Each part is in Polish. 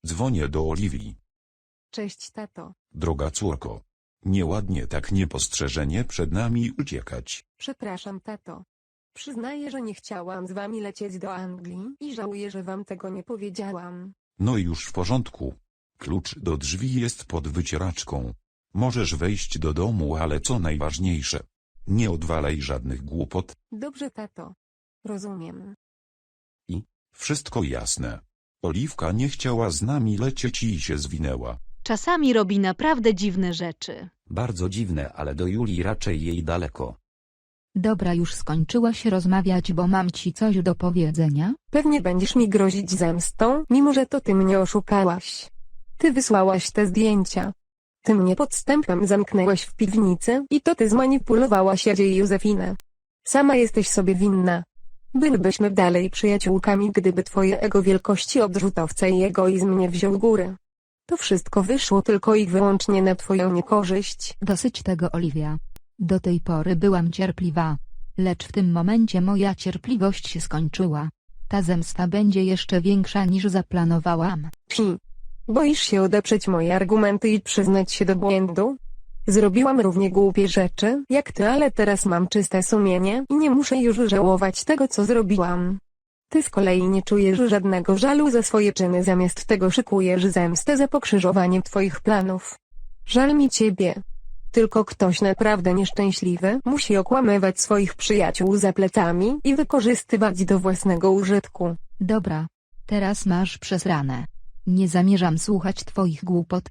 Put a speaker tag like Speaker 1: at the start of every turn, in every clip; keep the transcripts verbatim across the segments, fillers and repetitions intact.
Speaker 1: Dzwonię do Oliwii.
Speaker 2: Cześć, tato.
Speaker 1: Droga córko. Nieładnie tak niepostrzeżenie przed nami uciekać.
Speaker 2: Przepraszam, tato. Przyznaję, że nie chciałam z wami lecieć do Anglii i żałuję, że wam tego nie powiedziałam.
Speaker 1: No i już w porządku. Klucz do drzwi jest pod wycieraczką. Możesz wejść do domu, ale co najważniejsze, nie odwalaj żadnych głupot.
Speaker 2: Dobrze, tato. Rozumiem.
Speaker 1: Wszystko jasne. Oliwka nie chciała z nami lecieć i się zwinęła.
Speaker 3: Czasami robi naprawdę dziwne rzeczy.
Speaker 4: Bardzo dziwne, ale do Julii raczej jej daleko.
Speaker 5: Dobra, już skończyłaś rozmawiać, bo mam ci coś do powiedzenia?
Speaker 2: Pewnie będziesz mi grozić zemstą, mimo że to ty mnie oszukałaś. Ty wysłałaś te zdjęcia. Ty mnie podstępem zamknęłaś w piwnicy i to ty zmanipulowałaś Jadzie i Józefinę. Sama jesteś sobie winna. Bylibyśmy dalej przyjaciółkami, gdyby twoje ego wielkości odrzutowca i egoizm nie wziął góry. To wszystko wyszło tylko i wyłącznie na twoją niekorzyść.
Speaker 5: Dosyć tego, Oliwia. Do tej pory byłam cierpliwa. Lecz w tym momencie moja cierpliwość się skończyła. Ta zemsta będzie jeszcze większa niż zaplanowałam.
Speaker 2: Psi. Boisz się odeprzeć moje argumenty i przyznać się do błędu? Zrobiłam równie głupie rzeczy jak ty, ale teraz mam czyste sumienie i nie muszę już żałować tego, co zrobiłam. Ty z kolei nie czujesz żadnego żalu za swoje czyny, zamiast tego szykujesz zemstę za pokrzyżowanie twoich planów. Żal mi ciebie. Tylko ktoś naprawdę nieszczęśliwy musi okłamywać swoich przyjaciół za plecami i wykorzystywać do własnego użytku.
Speaker 5: Dobra. Teraz masz przesrane. Nie zamierzam słuchać twoich głupot.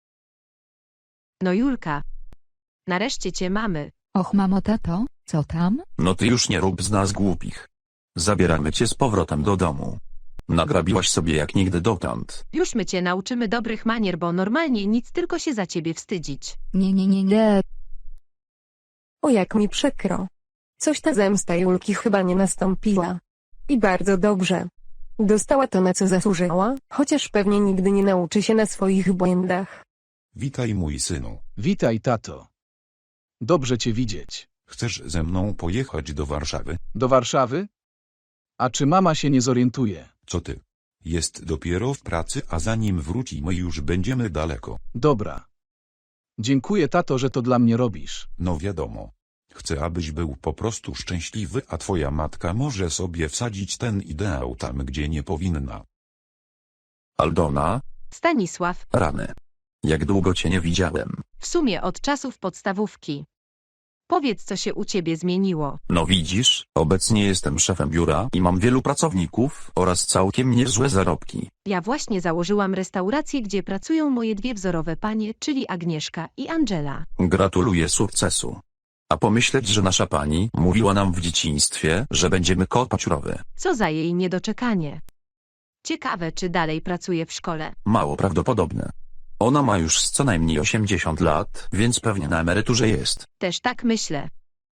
Speaker 3: No Julka. Nareszcie cię mamy.
Speaker 5: Och, mamo, tato, co tam?
Speaker 6: No ty już nie rób z nas głupich. Zabieramy cię z powrotem do domu. Nagrabiłaś sobie jak nigdy dotąd.
Speaker 3: Już my cię nauczymy dobrych manier, bo normalnie nic, tylko się za ciebie wstydzić.
Speaker 5: Nie, nie, nie, nie.
Speaker 2: O, jak mi przykro. Coś ta zemsta Julki chyba nie nastąpiła. I bardzo dobrze. Dostała to, na co zasłużyła, chociaż pewnie nigdy nie nauczy się na swoich błędach.
Speaker 1: Witaj, mój synu.
Speaker 7: Witaj, tato. Dobrze cię widzieć.
Speaker 1: Chcesz ze mną pojechać do Warszawy?
Speaker 7: Do Warszawy? A czy mama się nie zorientuje?
Speaker 1: Co ty? Jest dopiero w pracy, a zanim wrócimy już będziemy daleko.
Speaker 7: Dobra. Dziękuję, tato, że to dla mnie robisz.
Speaker 1: No wiadomo. Chcę, abyś był po prostu szczęśliwy, a twoja matka może sobie wsadzić ten ideał tam, gdzie nie powinna.
Speaker 6: Aldona,
Speaker 3: Stanisław.
Speaker 6: rany. Jak długo cię nie widziałem.
Speaker 3: W sumie od czasów podstawówki. Powiedz, co się u ciebie zmieniło.
Speaker 6: No widzisz, obecnie jestem szefem biura i mam wielu pracowników oraz całkiem niezłe zarobki.
Speaker 3: Ja właśnie założyłam restaurację, gdzie pracują moje dwie wzorowe panie, czyli Agnieszka i Angela.
Speaker 6: Gratuluję sukcesu. A pomyśleć, że nasza pani mówiła nam w dzieciństwie, że będziemy kopać rowy.
Speaker 3: Co za jej niedoczekanie. Ciekawe, czy dalej pracuje w szkole.
Speaker 6: Mało prawdopodobne. Ona ma już z co najmniej osiemdziesiąt lat, więc pewnie na emeryturze jest.
Speaker 3: Też tak myślę.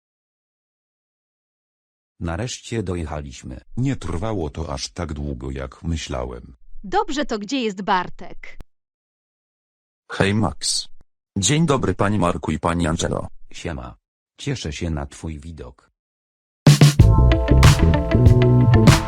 Speaker 4: Nareszcie dojechaliśmy.
Speaker 1: Nie trwało to aż tak długo, jak myślałem.
Speaker 3: Dobrze, to gdzie jest Bartek?
Speaker 6: Hej Max. Dzień dobry pani Marku i pani Angelo.
Speaker 4: Siema. Cieszę się na twój widok.